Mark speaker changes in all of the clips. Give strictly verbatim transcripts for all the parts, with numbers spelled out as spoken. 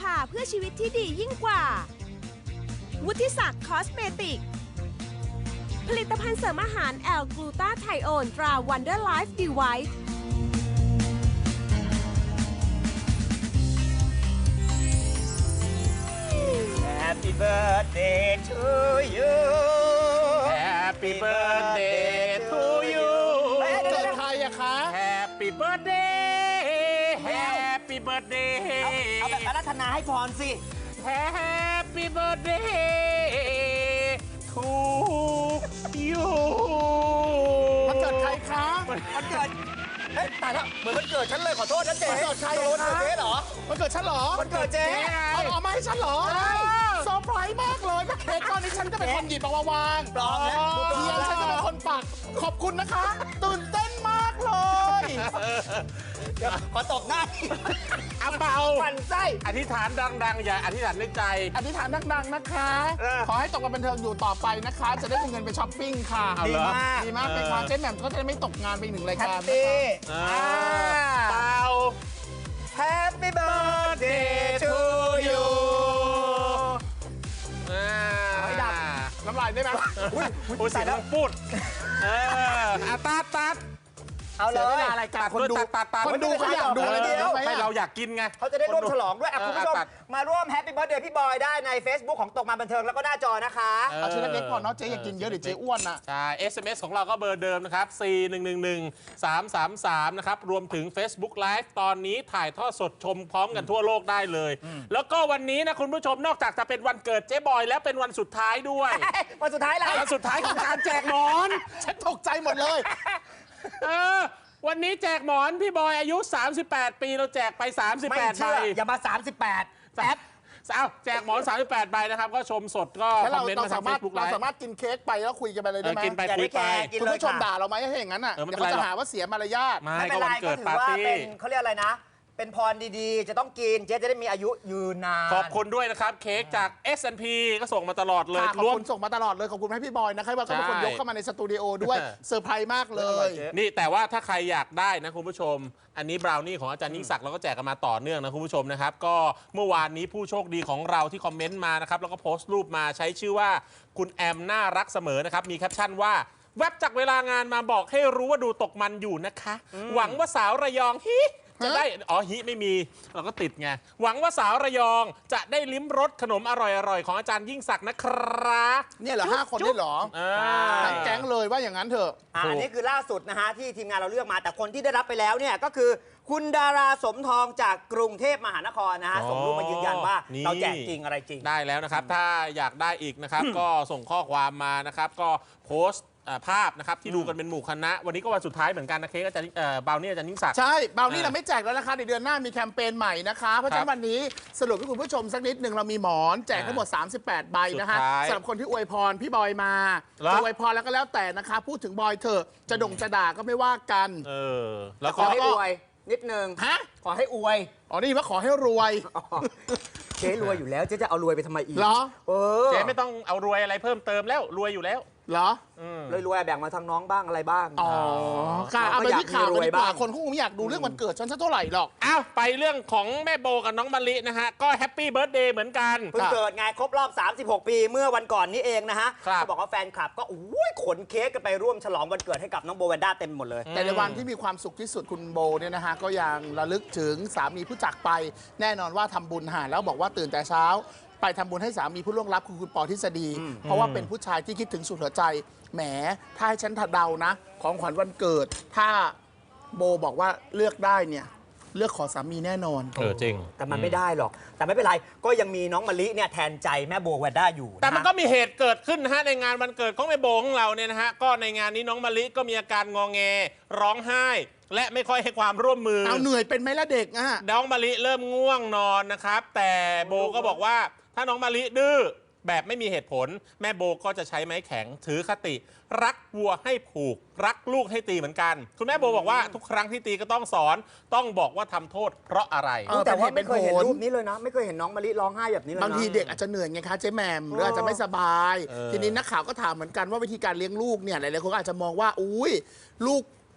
Speaker 1: าเพื่อชีวิตที่ดียิ่งกว่าวุฒิศักดิ์คอสเมติกผลิตภัณฑ์เสริมอาหารแอลกลูตาไทโอนตราวันเดอร์ไลฟ์ดีไวท์
Speaker 2: Happy birthday to you
Speaker 3: Happy birthday to you
Speaker 2: เกิดใครอะคะ
Speaker 3: Happy birthday Happy birthday
Speaker 2: เอาแบบอารัธนาให้พรสิ
Speaker 3: Happy birthday to you
Speaker 2: วันเกิดใครคะวันเกิดเฮ้ยตายแล้วเหมือนวันเกิดฉันเลยขอโทษนะเจ๊วันเกิดใครวันเกิดเจ๊เหรอวันเกิดฉันเหรอวันเกิดเจ๊เอาเอามาให้ฉันเหรอเซอร์ไพรส์มากเลยเค้กก้อนนี้ฉันจะเป็นคนหยิบมาวางปลอมแล้วเทียนฉันจะเป็นคนปักขอบคุณนะคะตื่นเต้นมากเลยเดี๋ยวขอตบหน้า
Speaker 3: อาเปา
Speaker 2: ปั่นไส้
Speaker 3: อธิษฐานดังๆอย่าอธิษฐานในใจ
Speaker 4: อธิษฐานดังๆนะคะขอให้ตกมาบันเทิงอยู่ต่อไปนะคะจะได้มีเงินไปช้อปปิ้งค่ะ
Speaker 2: ดีมาก
Speaker 4: ดีมากเป็นความเจ๊แหม่มก็จะได้ไม่ตกงานไปหนึ่งรายการ
Speaker 2: นะคะ
Speaker 3: เปา
Speaker 2: Happy birthday to you ไม่ดับ
Speaker 4: น้ำลายได้ไหม
Speaker 3: อุ้ยใส่แล้วพูดเอออาตัดตัด
Speaker 2: เอาเลย
Speaker 4: อะไรกันคนดู
Speaker 2: คนดูเขาอยากดูเลยเดียว
Speaker 3: ให้เราอยากกินไง
Speaker 2: เขาจะได้ร่วมฉลองด้วยคุณผู้ชมมาร่วมแฮปปี้เบิร์ธเดย์พี่บอยได้ใน Facebook ของตกมาบันเทิงแล้วก็หน้าจอนะคะ
Speaker 4: เอาชิ้นเล็กๆพอเนาะเจ๊อย่ากินเยอะเดี๋ยวเจ๊อ้วนนะ
Speaker 3: ใช่ เอส เอ็ม เอส ของเราก็เบอร์เดิมนะครับสี่หนึ่งหนึ่งหนึ่งสามสามสามนะครับรวมถึง Facebook Live ตอนนี้ถ่ายทอดสดชมพร้อมกันทั่วโลกได้เลยแล้วก็วันนี้นะคุณผู้ชมนอกจากจะเป็นวันเกิดเจ๊บอยแล้วเป็นวันสุดท้ายด้วย
Speaker 2: วันสุดท้ายอะไร
Speaker 3: วันสุดท้ายของการแจกหมอน
Speaker 4: ฉันตกใจหมดเลย
Speaker 3: เออวันนี้แจกหมอนพี่บอยอายุสามสิบแปดปีเราแจกไปสามสิบแปดใบ
Speaker 2: อย่ามาสามสิบแปดแป๊บ
Speaker 3: เอาแจกหมอนสามสิบแปดใบนะครับก็ชมสดก็คอมเมนต์มาทาง Facebook ไลฟ์
Speaker 4: เราสามารถกินเค้กไปแล้วคุยกันไปเลยได้ไหม
Speaker 3: กินไปคุยไป
Speaker 4: คุณผู้ชมด่าเราไหมถ้าอย่างนั้นอ่ะเดี๋ยวเขาจะหาว่าเสียมารยาท
Speaker 2: ไม่เป็นไรก็ถือว่าเป็นเขาเรียกอะไรนะเป็นพรดีๆจะต้องกินเจ๊จะได้มีอายุยืนนาน
Speaker 3: ขอบคุณด้วยนะครับเค้กจาก เอส แอนด์ พี ก็ส่งมาตลอดเลย
Speaker 4: ขอบคุณส่งมาตลอดเลยขอบคุณให้พี่บอยนะครับว่าเขาเป็นคนยกเข้ามาในสตูดิโอด้วยเซอร์ไพรส์มากเลย
Speaker 3: นี่แต่ว่าถ้าใครอยากได้นะคุณผู้ชมอันนี้บราวนี่ของอาจารย์ยิ่งศักดิ์เราก็แจกกันมาต่อเนื่องนะคุณผู้ชมนะครับก็เมื่อวานนี้ผู้โชคดีของเราที่คอมเมนต์มานะครับแล้วก็โพสต์รูปมาใช้ชื่อว่าคุณแอมน่ารักเสมอนะครับมีแคปชั่นว่าแวบจากเวลางานมาบอกให้รู้ว่าดูตกมันอยู่นะคะหวังว่าสาวระยองฮิจะได้อ๋อฮิไม่มีเราก็ติดไงหวังว่าสาวระยองจะได้ลิ้มรสขนมอร่อยๆของอาจารย์ยิ่งศักดิ์นะครับ
Speaker 4: เนี่ยเหรอห้าคนนี่เหรอทั้งแก๊งเลยว่าอย่างนั้นเถอะ
Speaker 2: อันนี้คือล่าสุดนะฮะที่ทีมงานเราเลือกมาแต่คนที่ได้รับไปแล้วเนี่ยก็คือคุณดาราสมทองจากกรุงเทพมหานครนะฮะส่งรูปมายืนยันว่าเราแจกจริงอะไรจริง
Speaker 3: ได้แล้วนะครับถ้าอยากได้อีกนะครับก็ส่งข้อความมานะครับก็โพสต์ภาพนะครับที่ดูกันเป็นหมู่คณะวันนี้ก็วันสุดท้ายเหมือนกันนะเค้กอาจารย์บาวนี่อาจารย์ยิ่งศักดิ์
Speaker 4: ใช่บาวนี่เราไม่แจกแล้วนะคะในเดือนหน้ามีแคมเปญใหม่นะคะเพราะฉะนั้นวันนี้สรุปให้คุณผู้ชมสักนิดหนึ่งเรามีหมอนแจกทั้งหมดสามสิบแปดใบนะคะสำหรับคนที่อวยพรพี่บอยมาจะอวยพรแล้วก็แล้วแต่นะคะพูดถึงบอยเถอะจะด่งจะด่าก็ไม่ว่ากัน
Speaker 3: เออ
Speaker 2: แล้วขอให้อวยนิดนึง
Speaker 4: ฮะ
Speaker 2: ขอให้อวย
Speaker 4: อ๋อนี่ว่าขอให้รวย
Speaker 2: เจ๊รวยอยู่แล้วเจ๊จะเอารวยไปทำไมอีก
Speaker 4: เหรอ
Speaker 3: เออเจ๊ไม่ต้องเอารวยอะไรเพิ่มเติมแล้วรวยอยู่แล้ว
Speaker 4: เหรอ
Speaker 2: เลยรวยแบ่งมาทางน้องบ้างอะไรบ้าง
Speaker 4: อ๋อค่ะเอาไปที่ข่าวดีกว่าคนคงไม่อยากดูเรื่องวันเกิดฉันสักเท่าไหร่หรอก
Speaker 3: อ้าวไปเรื่องของแม่โบกับน้องมะลินะฮะก็แฮปปี้เบิร์ธเดย์เหมือนกัน
Speaker 2: เพิ่งเกิดไงครบรอบสามสิบหกปีเมื่อวันก่อนนี้เองนะฮะเขาบอกว่าแฟนคลับก็อุ้ยขนเค้กกันไปร่วมฉลองวันเกิดให้กับน้องโบแวนด้าเต็มหมดเลย
Speaker 4: แต่ในวันที่มีความสุขที่สุดคุณโบเนี่ยนะฮะก็ยังระลึกถึงสามีผู้จากไปแน่นอนว่าทำบุญหาแล้วบอกว่าตื่นแต่เช้าไปทำบุญให้สามีผู้ล่วงลับคือคุณปอทฤษฎีเพราะว่าเป็นผู้ชายที่คิดถึงสุดหัวใจแหมถ้าให้ฉันถัดเดานะของขวัญวันเกิดถ้าโบบอกว่าเลือกได้เนี่ยเลือกขอสามีแน่นอน
Speaker 3: เออจริง
Speaker 2: แต่มันไม่ได้หรอกแต่ไม่เป็นไรก็ยังมีน้องมะลิเนี่ยแทนใจแม่โบแวนด้าอยู่
Speaker 3: แต่มันก็มีเหตุเกิดขึ้นนะฮะในงานวันเกิดของแม่โบของเราเนี่ยนะฮะก็ในงานนี้น้องมะลิก็มีอาการงอแงร้องไห้และไม่ค่อยให้ความร่วมมือ
Speaker 4: เอาเหนื่อยเป็นไหมล่ะเด็กอ่ะ
Speaker 3: น้องมะลิเริ่มง่วงนอนนะครับแต่โบก็บอกว่าถ้าน้องมะลิดื้อแบบไม่มีเหตุผลแม่โบก็จะใช้ไม้แข็งถือคติรักวัวให้ผูกรักลูกให้ตีเหมือนกันคุณแม่โบบอกว่าทุกครั้งที่ตีก็ต้องสอนต้องบอกว่าทำโทษเพราะอะไร
Speaker 2: แต่ว่าไม่เคยเห็นรูปนี้เลยนะไม่เคยเห็นน้องมะลิร้องไห้แบบนี้เลย
Speaker 4: บางทีเด็กอาจจะเหนื่อยไงคะเจ๊แหม่มหรืออาจจะไม่สบายทีนี้นักข่าวก็ถามเหมือนกันว่าวิธีการเลี้ยงลูกเนี่ยหลายๆคนก็อาจจะมองว่าอุ้ยลูก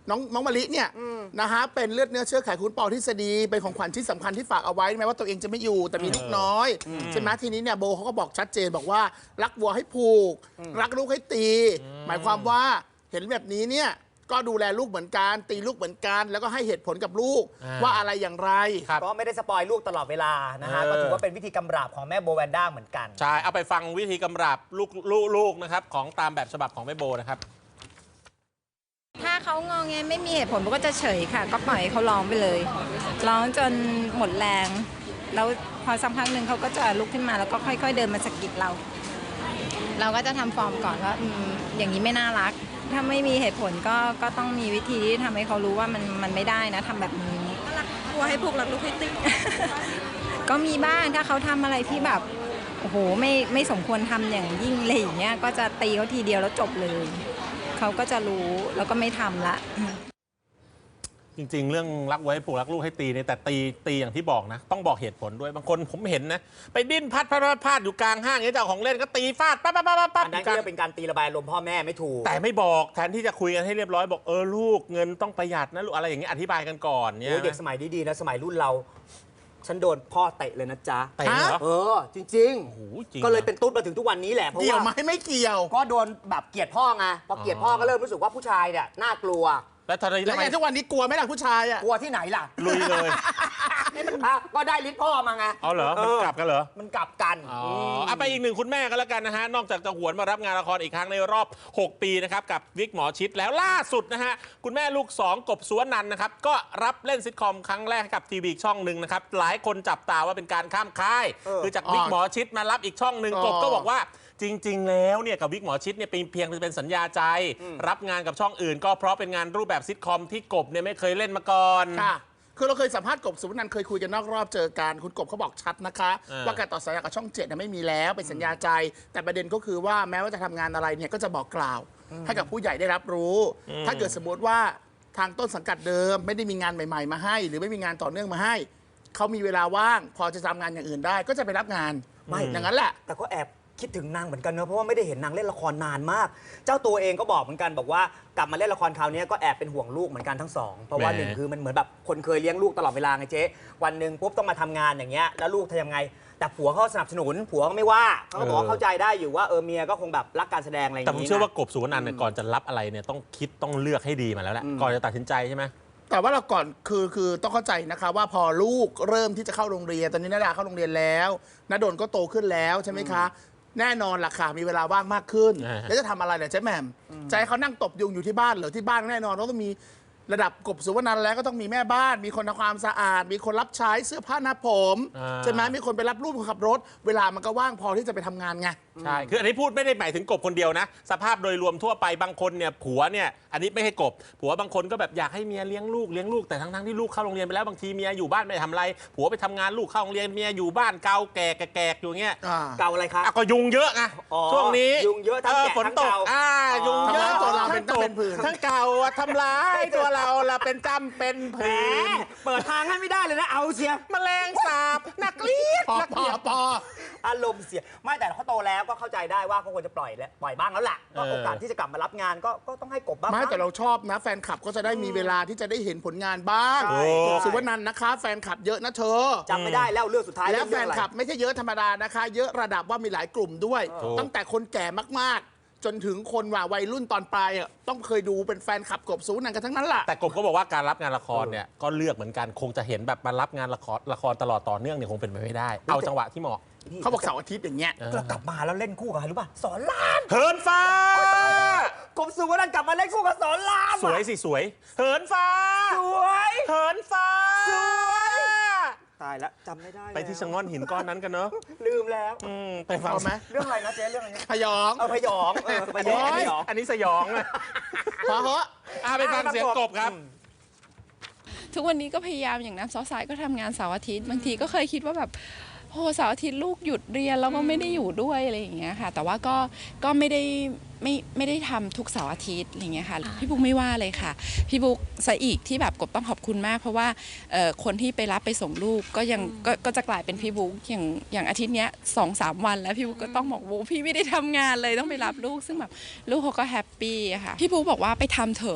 Speaker 4: น้องน้องมะลิเนี่ยนะฮะเป็นเลือดเนื้อเชื้อไขคุณปอทฤษฎีเป็นของขวัญชิ้นสำคัญที่ฝากเอาไว้แม้ว่าตัวเองจะไม่อยู่แต่มีลูกน้อยใช่ไหมทีนี้เนี่ยโบเขาก็บอกชัดเจนบอกว่ารักวัวให้ผูกรักลูกให้ตี หมายความว่าเห็นแบบนี้เนี่ยก็ดูแลลูกเหมือนกันตีลูกเหมือนกันแล้วก็ให้เหตุผลกับลูกว่าอะไรอย่างไร
Speaker 2: ก็ไม่ได้สปอยลูกตลอดเวลานะฮะก็ถือว่าเป็นวิธีกำราบของแม่โบแวนด้าเหมือนกัน
Speaker 3: ใช่เอาไปฟังวิธีกำราบลูกลูกลูกนะครับของตามแบบฉบับของแม่โบนะครับ
Speaker 5: ถ้าเขางอแงไม่มีเหตุผลมันก็จะเฉยค่ะก็ปล่อยให้เขาร้องไปเลยร้องจนหมดแรงแล้วพอสักพักหนึ่งเขาก็จะลุกขึ้นมาแล้วก็ค่อยๆเดินมาสะกิดเรา เราก็จะทำฟอร์มก่อนว่าออย่างนี้ไม่น่ารักถ้าไม่มีเหตุผลก็ก็ต้องมีวิธีที่ทำให้เขารู้ว่ามันมันไม่ได้นะทำแบบนี้รักกลัวให้พวกรักลูกให้ติก็มีบ้างถ้าเขาทำอะไรที่แบบโอ้โหไม่ไม่สมควรทำอย่างยิ่งเลยอย่างเงี้ยก็จะตีเขาทีเดียวแล้วจบเลยเขาก็จะรู้แล้วก็ไม่ทำละ
Speaker 3: จริงๆเรื่องรักไว้ผูกรักลูกให้ตีเนี่ยแต่ตีตีอย่างที่บอกนะต้องบอกเหตุผลด้วยบางคนผมเห็นนะไปดิ้นพัดพัดพัดพัดอยู่กลางห้างเนี่ยเจ้าของเล่นก็ตีฟาดปั๊บปั๊บปั๊บปั๊บ
Speaker 2: อันนั้นก็เป็นการตีระบายลมพ่อแม่ไม่ถูก
Speaker 3: แต่ไม่บอกแทนที่จะคุยกันให้เรียบร้อยบอกเออลูกเงินต้องประหยัดนะลูกอะไรอย่างเงี้ยอธิบายกันก่อนเนี่ย
Speaker 2: เด็กสมัยดีๆนะสมัยรุ่นเราฉันโดนพ่อเตะเลยนะจ๊ะ
Speaker 3: เตะเหรอ
Speaker 2: เออจริงๆก็เลยเป็นตุ๊ดมาถึงทุกวันนี้แหละเพราะว่า
Speaker 4: เกี่ยวไหมไม่เกี่ยว
Speaker 2: ก็โดนแบบเกลียดพ่อไงพอเกลียดพ่อก็เริ่มรู้สึกว่าผู้ชายเนี่ยน่ากลัว
Speaker 3: แล้วทำไม
Speaker 4: แล้วไงทุกวันนี้กลัวไหมล่ะผู้ชายอ่ะ
Speaker 2: กลัวที่ไหนล่ะ
Speaker 3: ลุยเลย
Speaker 2: นี่มันก็ได้ลิ้นพ่อมาไง
Speaker 3: อ๋อเหรอมันกลับกันเหรอ
Speaker 2: มันกลับกัน
Speaker 3: อ๋อเอาไปอีกหนึ่งคุณแม่กันแล้วกันนะฮะนอกจากจะหวนมารับงานละครอีกครั้งในรอบหกปีนะครับกับวิกหมอชิดแล้วล่าสุดนะฮะคุณแม่ลูกสองกบสุวรรณันท์นะครับก็รับเล่นซิทคอมครั้งแรกกับทีวีช่องหนึ่งนะครับหลายคนจับตาว่าเป็นการข้ามค่ายคือจากวิกหมอชิดมารับอีกช่องหนึ่งกบก็บอกว่าจริงๆแล้วเนี่ยกับวิกหมอชิดเนี่ยเป็นเพียงเป็นสัญญาใจรับงานกับช่องอื่นก็เพราะเป็นงานรูปแบบซิทคอมที่กบเนี่ยไม่เคยเล่นมาก่อน
Speaker 4: ค่ะคือเราเคยสัมภาษณ์กบสุวรรณันท์เคยคุยกันนอกรอบเจอกันคุณกบเขาบอกชัดนะคะว่าการต่อสัญญากับช่องเจ็ดไม่มีแล้วเป็นสัญญาใจแต่ประเด็นก็คือว่าแม้ว่าจะทำงานอะไรเนี่ยก็จะบอกกล่าวให้กับผู้ใหญ่ได้รับรู้ถ้าเกิดสมมติว่าทางต้นสังกัดเดิมไม่ได้มีงานใหม่ๆมาให้หรือไม่มีงานต่อเนื่องมาให้เขามีเวลาว่างพอจะทำงานอย่างอื่นได้ก็จะไปรับงานไม่อย่างนั้นแหละ
Speaker 2: แต่ก็แอบคิดถึงนางเหมือนกันเนอะเพราะว่าไม่ได้เห็นนางเล่นละครนานมากเจ้าตัวเองก็บอกเหมือนกันบอกว่ากลับมาเล่นละครคราวนี้ก็แอบเป็นห่วงลูกเหมือนกันทั้งสองเพราะว่าหนึ่งคือมันเหมือนแบบคนเคยเลี้ยงลูกตลอดเวลาไงเจ๊วันหนึ่งปุ๊บต้องมาทำงานอย่างเงี้ยแล้วลูกทำยังไงแต่ผัวเขาสนับสนุนผัวก็ไม่ว่าเขาก็บอกเข้าใจได้อยู่ว่าเออเมียก็คงแบบรักการแสดงอะไรอย่าง
Speaker 3: นี้แต่ผมเชื่อว่ากบสุวรรณันท์เนี่ยก่อนจะรับอะไรเนี่ยต้องคิดต้องเลือกให้ดีมาแล้วแหละก่อนจะตัดสินใจใช่ไหม
Speaker 4: แต่ว่าเราก่อนคือคือต้องเข้าใจนะคะว่าพอลูกเริ่มที่จะเข้าโรงเรียนตอนนี้นาดาเข้าโรงเรียนแล้วณดลก็โตขึ้นแล้วใช่ไหมคะแน่นอนล่ะค่ะมีเวลาว่างมากขึ้นแล้วจะทำอะไรเนี่ยเจ๊แหม่มใจเขานั่งตบยุงอยู่ที่บ้านเหรอที่บ้านแน่นอนต้องมีระดับกบสุวรรณันท์แล้วก็ต้องมีแม่บ้านมีคนทำความสะอาดมีคนรับใช้เสื้อผ้าหน้าผมใช่ไหมมีคนไปรับลูกขับรถเวลามันก็ว่างพอที่จะไปทำงานไง
Speaker 3: ใช่คืออันนี้พูดไม่ได้หมายถึงกบคนเดียวนะสภาพโดยรวมทั่วไปบางคนเนี่ยผัวเนี่ยอันนี้ไม่ให้กบผัวบางคนก็แบบอยากให้เมียเลี้ยงลูกเลี้ยงลูกแต่ทั้งๆที่ลูกเข้าโรงเรียนไปแล้วบางทีเมียอยู่บ้านไม่ทำอะไรผัวไปทำงานลูกเข้าโรงเรียนเมียอยู่บ้านเกาแก่แก่อยู่เงี้ย
Speaker 2: เกาอะไรครับ
Speaker 3: ก็ยุงเยอะไงช่วงนี้
Speaker 2: ยุงเยอะทั้งแก่ทั้งเกา
Speaker 3: อ่ายุงเยอะ
Speaker 4: ตัวเราเป็นต้นเป็นผื่น
Speaker 3: ทั้งเกาทำร้ายตัวเราเราเป็นจำเป็นผื่น
Speaker 2: เปิดทางให้ไม่ได้เลยนะเอาเชีย
Speaker 3: แมลงสาบนักเลียด
Speaker 4: นักเลียดปอ
Speaker 2: อารมณ์เสียไม่แต่เขาโตแล้วก็เข้าใจได้ว่าเขาควรจะปล่อยแล้วปล่อยบ้างแล้วแหละก็โอกาสที่จะกลับมารับงานก็ก็ต้องให้กบบ้าง
Speaker 4: ไม่แต่เราชอบนะแฟนคลับก็จะได้มีเวลาที่จะได้เห็นผลงานบ้างสุวรรณันท์นะคะแฟนคลับเยอะนะเธอ
Speaker 2: จำไม่ได้แล้วเรื่องสุดท้าย
Speaker 4: แล้วแฟนคลับไม่ใช่เยอะธรรมดานะคะเยอะระดับว่ามีหลายกลุ่มด้วยตั้งแต่คนแก่มากๆจนถึงคนว่าวัยรุ่นตอนปลายต้องเคยดูเป็นแฟนคลับกบสุวรรณันท์กันทั้งนั้นแหละ
Speaker 3: แต่กบก็บอกว่าการรับงานละครเนี่ยก็เลือกเหมือนกันคงจะเห็นแบบมารับงานละครละครตลอดต่อเนื่องเนี่ยคงเป็นไปไม่ได้เอาจังหวะที่เหมาะ
Speaker 4: เขาบอกเสาร์อาทิตย์อย่างเงี้ย
Speaker 2: กลับมาแล้วเล่นคู่กับใครรู้ป่ะสอนราม
Speaker 3: เหินฟ้
Speaker 2: ากบสุวรรณันท์กลับมาเล่นคู่กับสอนราม
Speaker 3: สวยสิสวยเหินฟ้า
Speaker 2: สวย
Speaker 3: เหินฟ้า
Speaker 2: สวยตายแล้วจำไม่ได้
Speaker 3: ไปที่ชะง่อนหินก้อนนั้นกันเนอะ
Speaker 2: ลืมแล้ว
Speaker 3: ไปฟังไหม
Speaker 2: เรื่องอะไรนะเจ๊เรื่องอะไร
Speaker 4: พยอง
Speaker 2: เออพยองเออพยอง
Speaker 3: อันนี้สยองเลย
Speaker 4: พอเหอะ
Speaker 3: ไปฟังเสียงกบครับ
Speaker 6: ทุกวันนี้ก็พยายามอย่างน้ำซอสสายก็ทำงานเสาร์อาทิตย์บางทีก็เคยคิดว่าแบบโหเสาร์อาทิตย์ลูกหยุดเรียนแล้วก็ไม่ได้อยู่ด้วยอะไรอย่างเงี้ยค่ะแต่ว่าก็ก็ไม่ได้ไม่ไม่ได้ทำทุกเสาร์อาทิตย์อะไรเงี้ยค่ะพี่บุ๊กไม่ว่าเลยค่ะพี่บุ๊กซะอีกที่แบบกบต้องขอบคุณมากเพราะว่าคนที่ไปรับไปส่งลูกก็ยังก็จะกลายเป็นพี่บุ๊กอย่างอย่างอาทิตย์เนี้ยสองสามวันแล้วพี่บุ๊กก็ต้องบอกว่าพี่ไม่ได้ทำงานเลยต้องไปรับลูกซึ่งแบบลูกเขาก็แฮปปี้ค่ะพี่บุ๊กบอกว่าไปทำเถอะ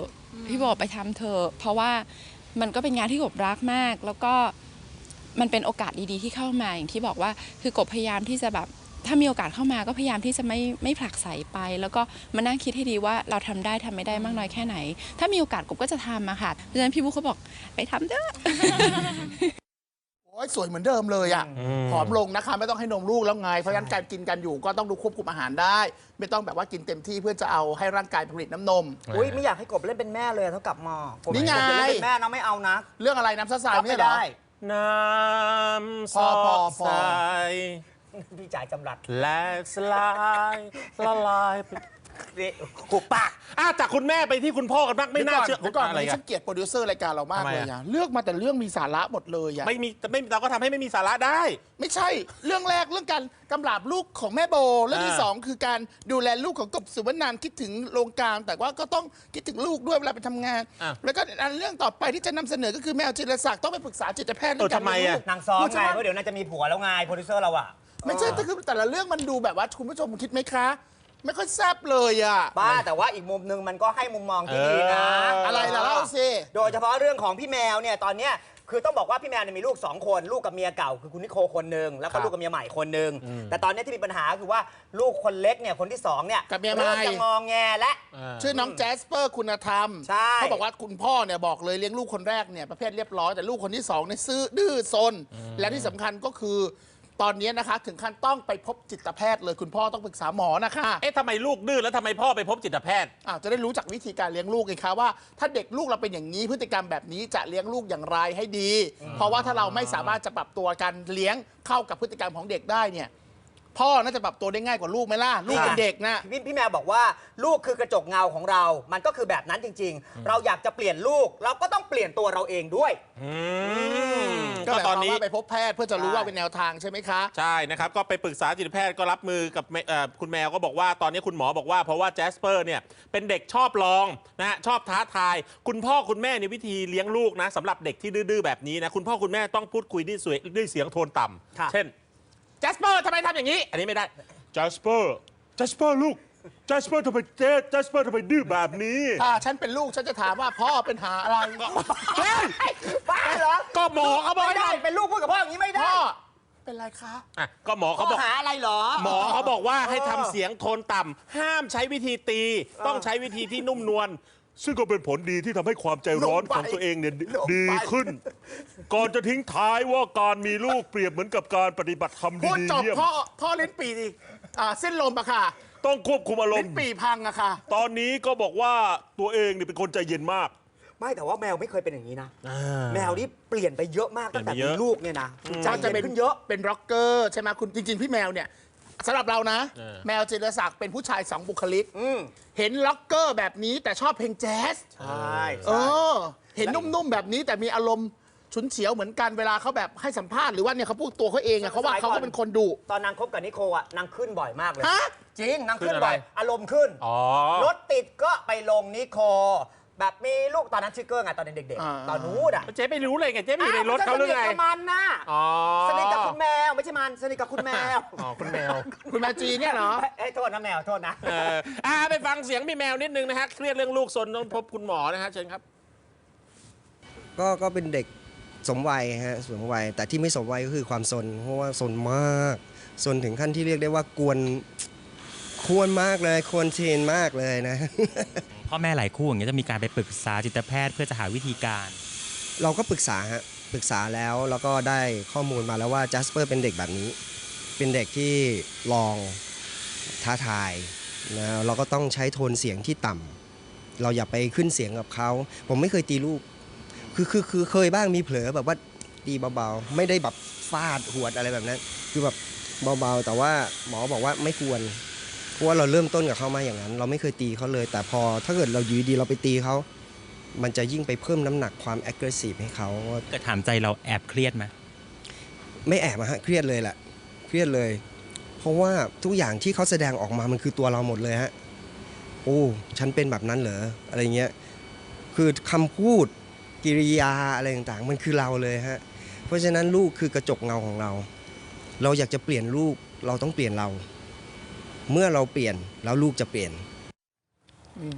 Speaker 6: พี่บอกไปทำเถอะเพราะว่ามันก็เป็นงานที่กบรักมากแล้วก็มันเป็นโอกาสดีๆที่เข้ามาอย่างที่บอกว่าคือกบพยายามที่จะแบบถ้ามีโอกาสเข้ามาก็พยายามที่จะไม่ไม่ผลักไสไปแล้วก็มานั่งคิดให้ดีว่าเราทำได้ทำไม่ได้มากน้อยแค่ไหนถ้ามีโอกาสกบก็จะทำอะค่ะเพราะฉะนั้นพี่บุ๊คเขาบอกไปทำเถอะ
Speaker 4: โอ้ยสวยเหมือนเดิมเลยอ่ะผอมลงนะคะไม่ต้องให้นมลูกแล้วไงเพราะฉะนั้นการกินกันอยู่ก็ต้องดูควบคุมอาหารได้ ไม่ต้องแบบว่ากินเต็มที่เพื่อจะเอาให้ร่างกายผลิตน้ำนม
Speaker 2: อุ้ยไม่อยากให้กบเล่นเป็นแม่เลยเท่ากับหมอกบ
Speaker 4: นี่ไง
Speaker 2: กบจะเล่นเป็นแม่นะไม่เอานะ
Speaker 4: เรื่องอะไรน้ำซาซาย
Speaker 2: รับ
Speaker 4: ไม่
Speaker 2: ไม่
Speaker 4: ใช่เหรอ
Speaker 2: ได้
Speaker 3: น้ำ
Speaker 4: พอพอพอ
Speaker 3: ใส
Speaker 2: พี่จ่ายจำรัด
Speaker 3: แหลกสลายละลายไป
Speaker 2: นี่หุบปาก
Speaker 3: อ่ะจากคุณแม่ไปที่คุณพ่อกันบ้างไม่น่าเชื่อ
Speaker 4: เดี๋ยวก่อน
Speaker 3: อะไร
Speaker 4: วันนี้
Speaker 3: กั
Speaker 4: ฉั
Speaker 3: น
Speaker 4: นเกลียดโปรดิวเซอร์รายการเรามาก
Speaker 3: ทำไม
Speaker 4: เลย
Speaker 3: อะ
Speaker 4: อ่ะเลือกมาแต่เรื่องมีสาระหมดเลยอ่ะ
Speaker 3: ไม่มีแต่ไม่เราก็ทำให้ไม่มีสาระได้
Speaker 4: ไม่ใช่เรื่องแรกเรื่องการกำราบลูกของแม่โบเรื่องที่
Speaker 3: อ่า
Speaker 4: สองคือการดูแลลูกของกบสุวรรณานคิดถึงโรงกลางแต่ว่าก็ต้องคิดถึงลูกด้วยเวลาไปทำงาน
Speaker 3: อ่ะ
Speaker 4: แล้วก็อันเรื่องต่อไปที่จะนำเสนอก็คือแมวจิรศักดิ์ต้องไปปรึกษาจิตแพทย์เรื่อง
Speaker 3: เออ
Speaker 4: การ
Speaker 3: ทำไม
Speaker 4: เลี้ยง
Speaker 3: อะ
Speaker 4: ลูก
Speaker 2: นางซ้อม
Speaker 4: คุณ
Speaker 2: ไง
Speaker 4: ใช่ไหม
Speaker 2: เพราะเดี๋ยวนางจะมีผัวแล้วไงโปรดิวเซอร์เราอะ
Speaker 4: ไม่ใช่แต่คือแต่ละเรื่องมันดูแบบว่าคุณผู้ชมคิดไหมคะ ไม่ค่อยแซ่บเลยอ่ะ
Speaker 2: บ้าแต่ว่าอีกมุมหนึงมันก็ให้มุมมองที่ดีนะ
Speaker 3: เอออ
Speaker 4: อะไรล่ะเล่าสิ
Speaker 2: โดยเฉพาะเรื่องของพี่แมวเนี่ยตอนเนี้ยคือต้องบอกว่าพี่แมวเนี่ยมีลูกสองคนลูกกับเมียเก่าคือคุณนิโคคนหนึ่งแล้ว
Speaker 3: ครั
Speaker 2: ก็
Speaker 3: บ
Speaker 2: ลูกกับเมียใหม่คนหนึ่งแต่ตอนเนี้ยที่มีปัญหาคือว่าลูกคนเล็กเนี่ยคนที่สองเนี่ย
Speaker 4: กับเมียใหม่
Speaker 2: เริ่มจะงองแงและ
Speaker 4: ชื่อน้องแจสเปอร์คุณธรรม
Speaker 2: ใช่
Speaker 4: เขาบอกว่าคุณพ่อเนี่ยบอกเลยเลี้ยงลูกคนแรกเนี่ยประเภทเรียบร้อยแต่ลูกคนที่สองเนี่ยซื่อดื้อซนและที่สำคัญก็คือตอนนี้นะคะถึงขั้นต้องไปพบจิตแพทย์เลยคุณพ่อต้องปรึกษาหมอนะคะ
Speaker 3: เอ๊ะทำไมลูกดื้อแล้วทำไมพ่อไปพบจิตแพทย์
Speaker 4: อ้าวจะได้รู้จักวิธีการเลี้ยงลูกไงคะว่าถ้าเด็กลูกเราเป็นอย่างนี้พฤติกรรมแบบนี้จะเลี้ยงลูกอย่างไรให้ดี เพราะว่าถ้าเราไม่สามารถจะปรับตัวการเลี้ยงเข้ากับพฤติกรรมของเด็กได้เนี่ยพ่อน่าจะปรับตัวได้ง่ายกว่าลูกไหมล่ะลูกเป็นเด็กนะ
Speaker 2: พี่พี่แมวบอกว่าลูกคือกระจกเงาของเรา มันก็คือแบบนั้นจริง ๆ เราอยากจะเปลี่ยนลูก เราก็ต้องเปลี่ยนตัวเราเองด้วย
Speaker 3: อืม
Speaker 4: ก็
Speaker 3: ก็
Speaker 4: หมายค
Speaker 3: ตอ
Speaker 4: วาน ม
Speaker 3: นี้
Speaker 4: ว่าไปพบแพทย์เพื่อจะรู้
Speaker 2: ใช่
Speaker 4: ว่าเป็นแนวทางใช่ไหมคะ
Speaker 3: ใช่นะครับ ก็ไปปรึกษาจิตแพทย์ก็รับมือกับแม่เอ่อคุณแมวก็บอกว่าตอนนี้คุณหมอบอกว่าเพราะว่าแจสเปอร์เนี่ยเป็นเด็กชอบลองนะฮะชอบท้าทาย คุณพ่อคุณแม่ในวิธีเลี้ยงลูกนะสำหรับเด็กที่ดื้อๆแบบนี้นะคุณพ่อคุณแม่ต้องพูดคุยด้วยเสียงด้วยเสียงโทนต่
Speaker 2: ค่ะ
Speaker 3: ำเช่นแจสเปอร์ทำไมทำอย่างนี้ อันนี้ไม่ได้แจสเปอร์แจสเปอร์ลูกแจสเปอร์ทำไมเจ๊แจสเปอร์ทำไมดื้อแบบนี้
Speaker 4: ถ้าฉันเป็นลูกฉันจะถามว่าพ่อเป็นหาอะไร
Speaker 3: เฮ้ย
Speaker 2: บ้าเหรอ
Speaker 3: ก็หมอเขาบอก
Speaker 2: ไม่ได้เป็นลูกพูดกับพ่ออย่างนี้ไม่ได้
Speaker 4: พ่อเป็นไรคะ
Speaker 3: อ่ะก็หมอ
Speaker 2: ข้
Speaker 3: เขา
Speaker 2: อ
Speaker 3: บอก
Speaker 2: หาอะไรเหรอ
Speaker 3: หมอเขาบอกว่าให้ทำเสียงโทนต่ำห้ามใช้วิธีตี ต้องใช้วิธีที่นุ่มนวลซึ่งก็เป็นผลดีที่ทำให้ความใจร้อนของตัวเองเนี่ยดีขึ้น ก่อนจะทิ้งท้ายว่าการมีลูกเปรียบเหมือนกับการปฏิบัติธรรม
Speaker 4: พูด
Speaker 3: ดี
Speaker 4: จ
Speaker 3: ๆ
Speaker 4: บ
Speaker 3: เยี่ยม
Speaker 4: พ่อพ่อลิ้นปี่ดิอ่าเส้นลมอะค่ะ
Speaker 3: ต้องควบคุมอาร
Speaker 4: ลิ้
Speaker 3: ม
Speaker 4: น
Speaker 3: ณ์
Speaker 4: ปี่พังอะค่ะ
Speaker 3: ตอนนี้ก็บอกว่าตัวเองเนี่ยเป็นคนใจเย็นมาก
Speaker 2: ไม่แต่ว่าแมวไม่เคยเป็นอย่างนี้นะ แมวนี่เปลี่ยนไปเยอะมากตั้งแต่
Speaker 3: เปลี่ยนไปเย
Speaker 2: มี
Speaker 3: อะ
Speaker 2: ลูกเนี่ยนะใจ
Speaker 4: ก็จะ
Speaker 2: เย็
Speaker 4: เป็น
Speaker 2: นขึ้นเยอะ
Speaker 4: เป็นร็อกเกอร์ใช่ไหมคุณจริง ๆ พี่แมวเนี่ยสำหรับเรานะ
Speaker 3: เออ
Speaker 4: แมวจิรศักดิ์เป็นผู้ชายสองบุคลิก
Speaker 2: อืม
Speaker 4: เห็นล็อกเกอร์แบบนี้แต่ชอบเพลงแจ๊ส
Speaker 2: ใช่
Speaker 4: เอ
Speaker 2: ใช่
Speaker 4: อ เห็นนุ่มๆแบบนี้แต่มีอารมณ์ฉุนเฉียวเหมือนกันเวลาเขาแบบให้สัมภาษณ์หรือว่าเนี่ยเขาพูดตัวเขาเองอะเขาว่าเขาก็เป็นคนดุ
Speaker 2: ตอนนางคบกับนิโคอะนางขึ้นบ่อยมากเลย
Speaker 4: ฮะ
Speaker 2: จริงนางขึ้น
Speaker 3: ขึ้นอะไร
Speaker 2: บ่อยอารมณ์ขึ้น
Speaker 3: อ๋อ
Speaker 2: รถติดก็ไปลงนิโค แบบมีลูกตอนนั้นชื่อเกอร์ไงตอนเด็ก
Speaker 4: อ่า
Speaker 2: ๆ ตอนนู้นอะ
Speaker 3: เจ๊ไม่รู้เลยไงเจ๊ไม่อยู่ในรถเขาหรือไง
Speaker 2: สนิทกับมันนะ
Speaker 3: อ๋อ
Speaker 2: สนิทกับคุณแมวไม่ใช่มันสนิทกับคุณแมว
Speaker 3: อ๋อคุณแมว
Speaker 4: คุณแมวจีเนี่ยเหรอ
Speaker 2: เอ้ยโทษนะแมวโทษนะ
Speaker 3: เอออ่าไปฟังเสียงพี่แมวนิดนึงนะฮะเครียดเรื่องลูกซนต้องพบคุณหมอนะฮะเชิญครับ
Speaker 7: ก็ก็เป็นเด็กสมวัยฮะสมวัยแต่ที่ไม่สมวัยก็คือความซนเพราะว่าซนมากซนถึงขั้นที่เรียกได้ว่ากวนควรมากเลยควรเชนมากเลยนะ
Speaker 8: พ่อแม่หลายคู่อย่างเงี้ยจะมีการไปปรึกษาจิตแพทย์เพื่อจะหาวิธีการ
Speaker 7: เราก็ปรึกษาฮะปรึกษาแล้วแล้วก็ได้ข้อมูลมาแล้วว่าจัสเปอร์เป็นเด็กแบบนี้ เป็นเด็กที่ลองท้าทายนะเราก็ต้องใช้โทนเสียงที่ต่ำเราอย่าไปขึ้นเสียงกับเขาผมไม่เคยตีลูกคือคือคือเคยบ้างมีเผลอแบบว่าตีเบาๆไม่ได้แบบฟาดหวดอะไรแบบนั้นคือแบบเบาๆแต่ว่าหมอบอกว่าไม่ควรเพราะว่าเราเริ่มต้นกับเขามาอย่างนั้น เราไม่เคยตีเขาเลย แต่พอถ้าเกิดเราอยู่ดีเราไปตีเขามันจะยิ่งไปเพิ่มน้ำหนักความ aggressive ให้เขา
Speaker 8: เกิดถามใจเราแอบเครียดไหม
Speaker 7: ไม่แอบอะฮะเครียดเลยแหละเครียดเลย เพราะว่าทุกอย่างที่เขาแสดงออกมามันคือตัวเราหมดเลยฮะโอ้ฉันเป็นแบบนั้นเหรออะไรเงี้ยคือคำพูดกิริยาอะไรต่างๆมันคือเราเลยฮะเพราะฉะนั้นลูกคือกระจกเงาของเรา เราอยากจะเปลี่ยนลูกเราต้องเปลี่ยนเรา เมื่อเราเปลี่ยนแล้วลูกจะเปลี่ยน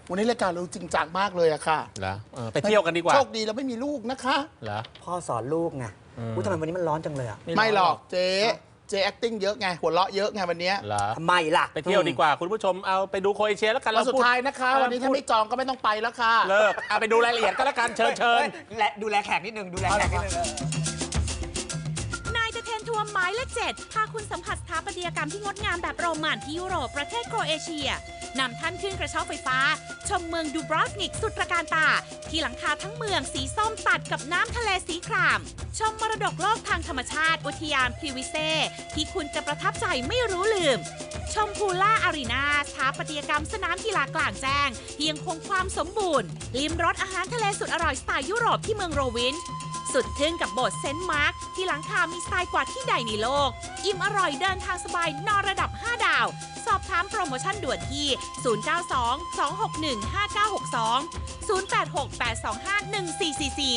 Speaker 4: วันนี้รายการเราจริงจังมากเลยอะค่ะ
Speaker 3: เหรอเออไปเที่ยวกันดีกว่า
Speaker 4: โชคดีเราไม่มีลูกนะคะ
Speaker 3: เหรอ
Speaker 2: พ่อสอนลูกไงอุ้ยทำไมวันนี้มันร้อนจังเลยอ่ะ
Speaker 4: ไม่หรอกเจ๊เจ๊ acting เยอะไงหัวเราะเยอะไงวันเนี้ย
Speaker 3: เหรอ
Speaker 2: ทำไมล่ะ
Speaker 3: ไปเที่ยวดีกว่าคุณผู้ชมเอาไปดูโครเอเชียแล้วกัน
Speaker 4: วันสุด
Speaker 3: พู
Speaker 4: ท้ายนะคะ วันนี้ถ้าไม่จองก็ไม่ต้องไปแล้วค่ะ
Speaker 3: เลิกเอาไปดูรายละเอียดก็แล้วกันเชิญเชิญ
Speaker 2: และดูแลแขกนิดนึงดูแลแขกนิดนึง
Speaker 1: นายจะเทนทัวร์ไม้และเจ็ดพาคุณสัมผัสสถาปัตยกรรมที่งดงามแบบโรมันที่ยุโรปประเทศโครเอเชียนำท่านขึ้นกระเช้าไฟฟ้า ชมเมืองดูบรอฟนิกสุดตระการตา ที่หลังคาทั้งเมืองสีส้มตัดกับน้ำทะเลสีคราม ชมมรดกโลกทางธรรมชาติอุทยานพรีวิเซที่คุณจะประทับใจไม่รู้ลืม ชมพูล่าอารีนาสถาปัตยกรรมสนามกีฬากลางแจ้งที่ยังคงความสมบูรณ์ลิ้มรสอาหารทะเลสุดอร่อยสไตล์ยุโรปที่เมืองโรวินช์สุดทึ่งกับโบสถ์เซนต์มาร์กที่หลังคามีสไตล์กว่าที่ใดในโลก อิ่มอร่อยเดินทางสบายนอนระดับห้าดาว สอบถามโปรโมชั่นด่วนที่ ศูนย์ เก้า สอง สอง หก หนึ่ง ห้า เก้า หก สอง ศูนย์ แปด หก แปด สอง ห้า หนึ่ง สี่ สี่ สี่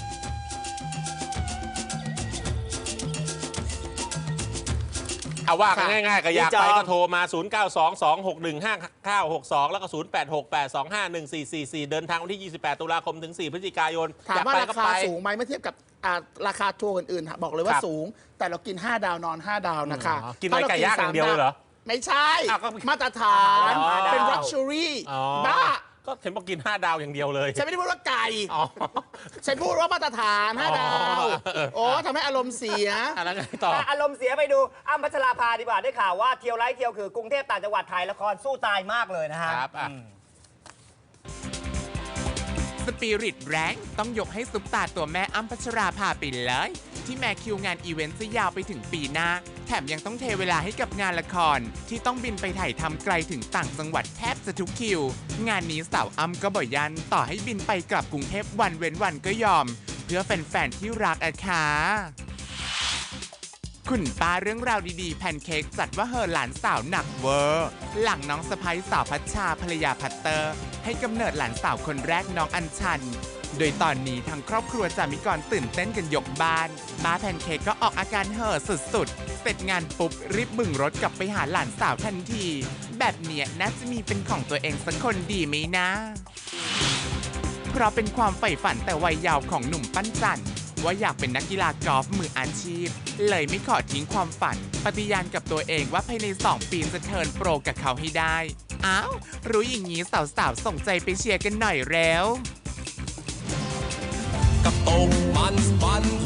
Speaker 3: เอาว่ากันง่ายๆก็อยาก
Speaker 2: จอ
Speaker 3: ไป
Speaker 2: ง
Speaker 3: ก็โทรมา ศูนย์ เก้า สอง สอง หก หนึ่ง ห้า เก้า หก สอง แล้วก็ ศูนย์ แปด หก แปด สอง ห้า หนึ่ง สี่ สี่ สี่ เดินทางวันที่ ยี่สิบแปด ตุลาคมถึง สี่ พฤศจิกายน
Speaker 4: ถาม
Speaker 3: อยาก
Speaker 4: ว่า
Speaker 3: ไป
Speaker 4: รา
Speaker 3: ก็
Speaker 4: คา
Speaker 3: ไป
Speaker 4: สูงไหมเมื่อเทียบกับอ่าราคาทัวร์อื่นๆบอกเลยว่า
Speaker 3: ครับ
Speaker 4: สูง แต่เรากิน ห้า ดาวนอน ห้า ดาวนะคะ
Speaker 3: อ๋อกินอะไรไก่ย่างอย่างเดียวเลยเหรอ
Speaker 4: ไม่ใช่
Speaker 3: อ้าวก็
Speaker 4: มาตรฐาน
Speaker 3: อ๋อ
Speaker 4: เป็น luxury
Speaker 3: อ๋อ
Speaker 4: บ้า
Speaker 3: ก็เห็นบอกกิน ห้า ดาวอย่างเดียวเลย
Speaker 4: ฉันไม่ได้พูดว่าไก่
Speaker 3: อ๋อ
Speaker 4: ฉันพูดว่ามาตรฐาน ห้า ดาว
Speaker 3: อ๋อ
Speaker 4: โอ้ทำให้อารมณ์เสีย
Speaker 3: อ่ะแล้วไงต่อ
Speaker 2: อารมณ์เสียไปดูอ้ำพัชราภาดีกว่าได้ข่าวว่าเที่ยวไลฟ์เที่ยวคือกรุงเทพต่างจังหวัดถ่ายละครสู้ตายมากเลยนะฮะ
Speaker 3: ครับอ่ะ
Speaker 2: อืม
Speaker 9: สปิริตแรงต้องยกให้ซุปตาตัวแม่อ้ำพัชราภาไปเลย ที่แม้คิวงานอีเวนต์จะยาวไปถึงปีหน้า แถมยังต้องเทเวลาให้กับงานละคร ที่ต้องบินไปถ่ายทำไกลถึงต่างจังหวัดแทบจะทุกคิว งานนี้สาวอ้ำก็บ่อยยันต่อให้บินไปกลับกรุงเทพวันเว้นวันก็ยอม เพื่อแฟนๆที่รักอะค่ะคุณป้าเรื่องราวดีๆแพนเค้กจัดว่าเฮอหลานสาวหนักเวอร์หลังน้องสะใภ้สาวพัชชาภรรยาพัตเตอร์ ให้กำเนิดหลานสาวคนแรกน้องอัญชัน โดยตอนนี้ทั้งครอบครัวจามิกรตื่นเต้นกันยกบ้านป้าแพนเค้กก็ออกอาการเห่อสุดๆ เสร็จงานปุ๊บรีบบึ่งรถกลับไปหาหลานสาวทันที แบบเนี้ยน่าจะมีเป็นของตัวเองสักคนดีไหมนะ เพราะเป็นความใฝ่ฝันแต่วัยเยาว์ของหนุ่มปั้นจันทร์ว่าอยากเป็นนักกีฬากอล์ฟมืออาชีพ เลยไม่ขอทิ้งความฝัน ปฏิญาณกับตัวเองว่าภายในสองปีจะเทิร์นโปรกับเขาให้ได้ อ้าว รู้อย่างนี้สาวๆส่งใจไปเชียร์กันหน่อยแล้ว
Speaker 10: กับตกมันมัน